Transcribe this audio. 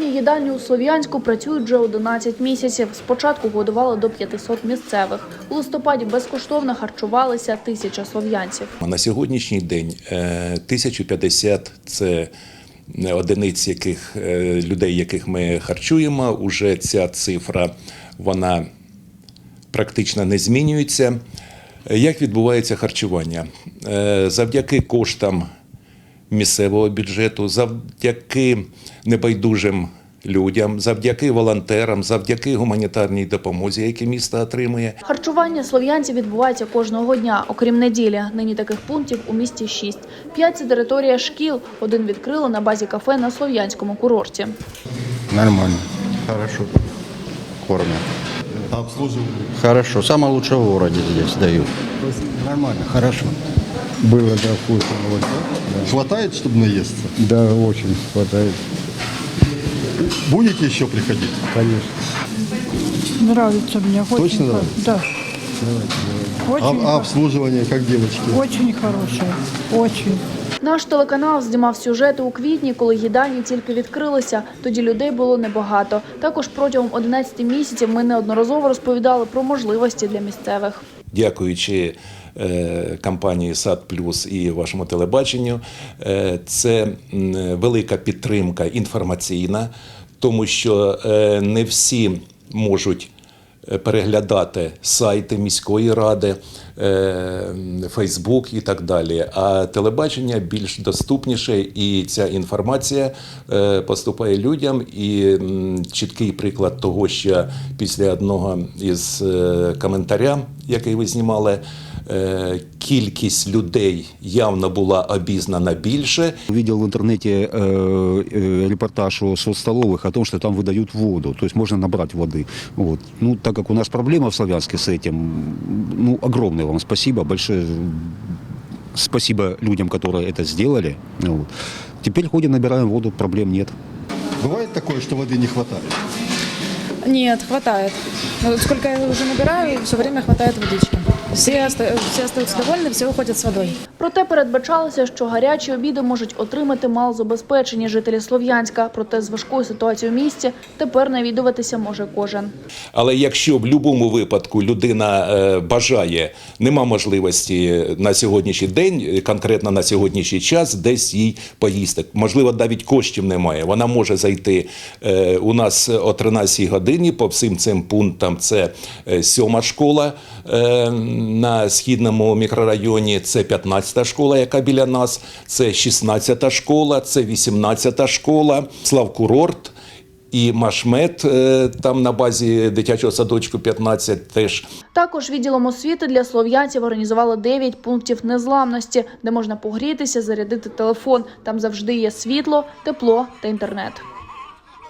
Безкоштовні їдальні у Слов'янську працюють вже 11 місяців. Спочатку годували до 500 місцевих. У листопаді безкоштовно харчувалися 1000 слов'янців. На сьогоднішній день 1050 – це одиниць людей, яких ми харчуємо. Уже ця цифра, вона практично не змінюється. Як відбувається харчування? Завдяки коштам місцевого бюджету, завдяки небайдужим людям, завдяки волонтерам, завдяки гуманітарній допомозі, яку місто отримує. Харчування слов'янців відбувається кожного дня, окрім неділі. Нині таких пунктів у місті 6. 5 – це територія шкіл, один відкрили на базі кафе на Слов'янському курорті. Нормально, хорошо кормят. А обслуживание? Хорошо, самое лучшее в городе здесь дают. Нормально, хорошо. Было, да, вкусно. Вот. Да. Хватает, чтобы наесться? Да, очень хватает, Будете еще приходить? конечно. Нравится мне. Очень Точно нравится? Да. Очень, А обслуживание, как девочки? очень хорошее. Очень. Наш телеканал знімав сюжети у квітні, коли їдальні тільки відкрилися. Тоді людей було небагато. Також протягом 11 місяців ми неодноразово розповідали про можливості для місцевих. Дякуючи компанії «Сад Плюс» і вашому телебаченню, це велика підтримка інформаційна, тому що не всі можуть переглядати сайти міської ради, Фейсбук і так далі. А телебачення більш доступніше, і ця інформація поступає людям. І чіткий приклад того, що після одного із коментаря, який ви знімали, кількість людей явно була обізнана більше. Видел в интернете репортаж о соцстоловых о том, что там выдают воду, то есть можно набрать воды. Вот. Ну, так как у нас проблема в Слов'янске с этим, ну, огромное вам спасибо, большое спасибо людям, которые это сделали. Вот. Теперь ходим, набираем воду, проблем нет. Бывает такое, что воды не хватает? Нет, хватает. Но сколько я уже набираю, все время хватает водички. Все остаются довольны, все уходят с водой. Проте передбачалося, що гарячі обіди можуть отримати малозабезпечені жителі Слов'янська. Проте з важкою ситуацією в місті тепер навідуватися може кожен. Але якщо в будь-якому випадку людина бажає, нема можливості на сьогоднішній день, конкретно на сьогоднішній час, десь їй поїсти. Можливо, навіть коштів немає. Вона може зайти у нас о 13 годині по всім цим пунктам. Це 7-ма школа на східному мікрорайоні, це 15-та школа, яка біля нас, це 16-та школа, це 18-та школа, Славкурорт і Машмет, там на базі дитячого садочку 15 теж. Також відділом освіти для слов'янців організували 9 пунктів незламності, де можна погрітися, зарядити телефон. Там завжди є світло, тепло та інтернет.